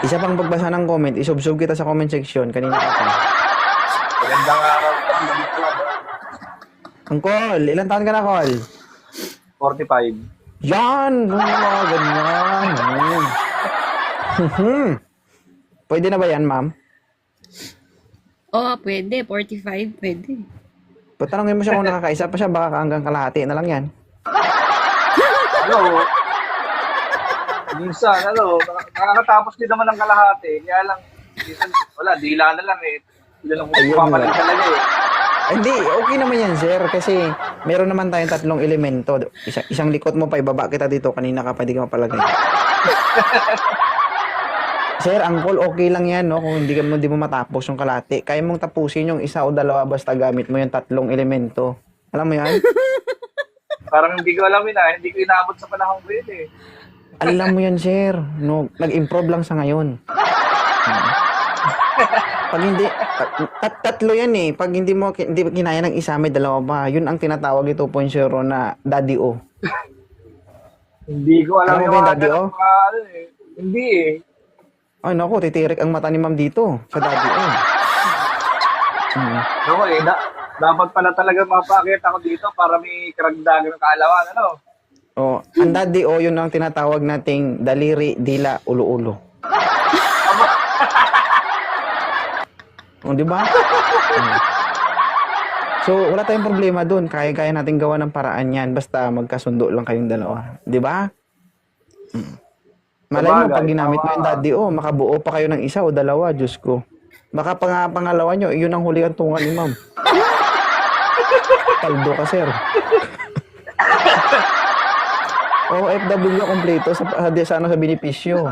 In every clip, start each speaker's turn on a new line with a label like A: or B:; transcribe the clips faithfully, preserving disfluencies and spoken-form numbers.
A: Isa pang pagbasa ng comment, isubsub kita sa comment section. Kanina ka pa.
B: Magandang araw. Magandang club.
A: Ang call, ilan taon ka na, call?
B: forty-five.
A: Yan! Mga ganyan. Hmm. Pwede na ba yan, ma'am?
C: Oo, oh, pwede. forty-five, pwede.
A: Patanungin mo siya kung nakakaisa pa siya, baka hanggang kalahati na lang yan.
B: Ano? Minsan, ano, nakakatapos din naman ng kalahati. Kaya lang, minsan, wala, dila na lang eh. Dila lang
A: Ayun
B: pumapalit
A: nga.
B: talaga eh.
A: Ay, hindi, okay naman yan, sir. Kasi meron naman tayong tatlong elemento. Isa, isang likot mo pa, ibaba kita dito. Kanina ka pa, di ka mapalagay. Sir, ang call, okay lang yan, no? Kung hindi, ka, hindi mo matapos yung kalahati. Kaya mong tapusin yung isa o dalawa basta gamit mo yung tatlong elemento. Alam mo yan?
B: Parang hindi ko alam yun ah. Hindi ko inaabot sa panahon ko yun eh.
A: Alam mo yan, sir. No, nag-improve lang sa ngayon. Pag hindi, tat tatlo yan eh. Pag hindi mo hindi kinaya ng isa, may dalawa pa. Yun ang tinatawag ito point zero na Daddy O.
B: Hindi ko alam
A: Alam mo
B: yung
A: ba yung
B: mga
A: Daddy O?
B: ganun, mga ano eh. Hindi eh.
A: Ay, naku, titirik ang mata ni ma'am dito sa Daddy O. Hmm.
B: Ako eh, da- dapat pala talaga mapakita ako dito para may karagdagan ng kaalaman, ano?
A: Oh, ang Daddy O, yun ang tinatawag nating daliri, dila, ulo-ulo. Oh, di ba? Hmm. So, wala tayong problema dun. Kaya-kaya natin gawa ng paraan yan. Basta magkasundo lang kayong dalawa. Di ba? Hmm. Malay mo, pag ginamit mo yung Daddy O, makabuo pa kayo ng isa o dalawa, Diyos ko. Baka pang pangalawa nyo, yun ang huli ang tungan ni ma'am. Kaldo ka, sir. O F W kompleto sa, sa, ano, sa benepisyo.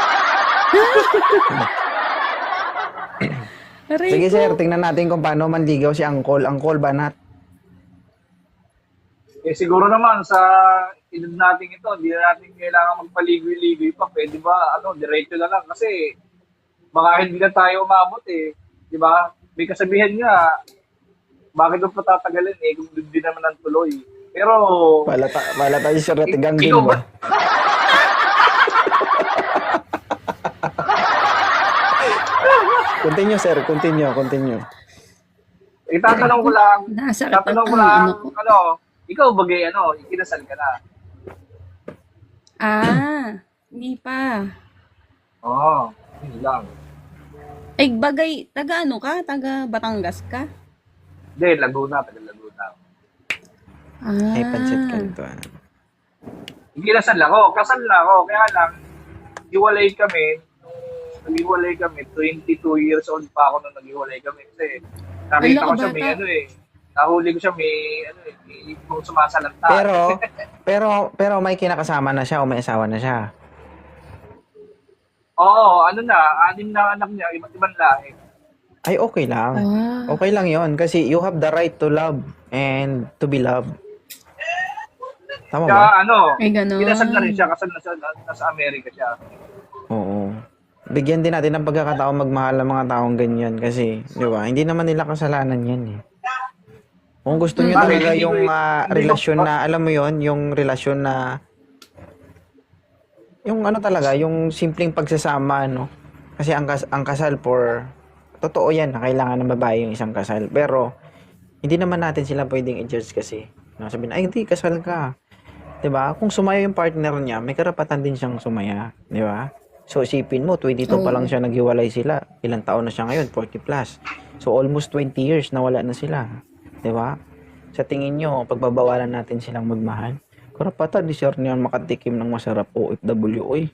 A: Sige, sir, tingnan natin kung paano manligaw si Angkol. Angkol, banat.
B: Eh siguro naman sa edad natin ito, hindi na natin kailangan magpaligoy-ligoy pa. Pwede ba, ano, diretso na lang. Kasi baka hindi na tayo umabot eh. Di ba? May kasabihan nga, bakit mo patatagalin eh kung hindi naman ang tuloy. Pero,
A: Wala, ta wala tayo sir na tiganggin
B: ikaw
A: ba?
B: ba?
A: Continue, sir. Continue, continue.
B: Itatanong ko lang,
C: Nasa
B: tatanong ko
C: ang
B: lang,
C: ano ko.
B: ano, ikaw bagay, ano, ikinasal ka na.
C: Ah, hindi pa.
B: Oo, oh, yun lang.
C: Ay, bagay, taga ano ka? Taga Batangas ka?
B: Hindi, Laguna, taga Laguna.
C: Ah.
A: Ay, pancit ka nito. Ano?
B: Ikinasal ako, kasal na ako, kaya lang, hiwalay kami, nung naghiwalay kami, twenty-two years old pa ako nung naghiwalay kami. Kasi nakita
C: Ala,
B: ko siya, may
C: bata.
B: ano eh, nahuli ko siya, may ano eh, may ibang sumasalanta.
A: Pero, pero, pero may kinakasama na siya o may asawa na siya.
B: Oo, ano na, anim na anak niya, iba't ibang lahi.
A: Ay, okay lang.
C: Ah.
A: Okay lang yon kasi you have the right to love and to be loved. Tama
B: Kaya
A: ba?
B: ano,
C: Ay, ganun.
B: kinasal na rin siya, kasal na siya, nasa Amerika siya.
A: Oo. Bigyan din natin ng pagkakataon magmahal ng mga taong ganyan kasi, di ba? Hindi naman nila kasalanan yan eh. Kung gusto niyo
B: Bakit?
A: talaga
B: Hindi ko-
A: yung ah,
B: hindi ko-
A: relasyon na, alam mo yon yung relasyon na, yung ano talaga, yung simpleng pagsasama, no? Kasi ang, kas ang kasal for, totoo yan na kailangan ng babae yung isang kasal. Pero, hindi naman natin sila pwedeng i-judge kasi. No? Sabihin, ay hindi, kasal ka. 'Di ba? Kung sumaya yung partner niya, may karapatan din siyang sumaya, 'di ba? So isipin mo, twenty-two pa lang siya naghiwalay sila. Ilang taon na siya ngayon? forty plus. So almost twenty years na wala na sila, 'di ba? Sa tingin niyo, pagbabawalan natin silang magmahal? Karapatan di sir niyan makatikim ng masarap O F W, oy.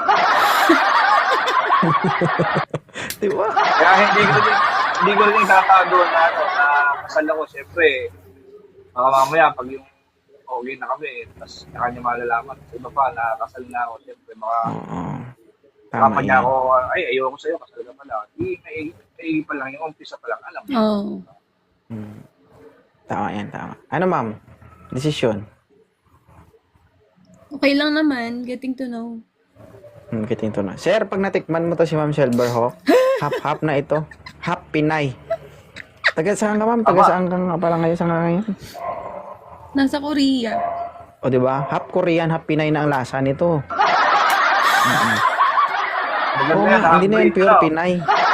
A: 'Di ba?
B: Kaya hindi ko rin, hindi ko rin tatago na, ano, na kasal ako, siyempre, baka mamaya, pag yung okay na kami, tapos na kanya malalaman, sa iba pa, nakakasal na ako, siyempre, baka,
A: Oo. Tama
B: Papa niya
A: yan.
B: ako, ay, ayoko sa'yo, kasal ka pala. Di, may, may pa lang, yung umpisa pa lang, alam mo.
C: Oh.
A: Hmm. Tama yan, tama. Ano ma'am? Desisyon?
C: Okay lang naman. Getting to know.
A: Hmm, kitin to na. Sir, pag natikman mo to si Ma'am Silverhawk, hap-hap na ito. Hap Pinay. Taga saan ka ma'am? Taga
B: Aba.
A: saan ka nga pala ngayon sa nga ngayon?
C: Nasa Korea.
A: O di ba? Half Korean, half Pinay na ang lasa nito. Mm-mm.
B: Maganda
A: Oo
B: yan,
A: nga, hindi na yan
B: half-breed
A: pure
B: lang.
A: Pinay.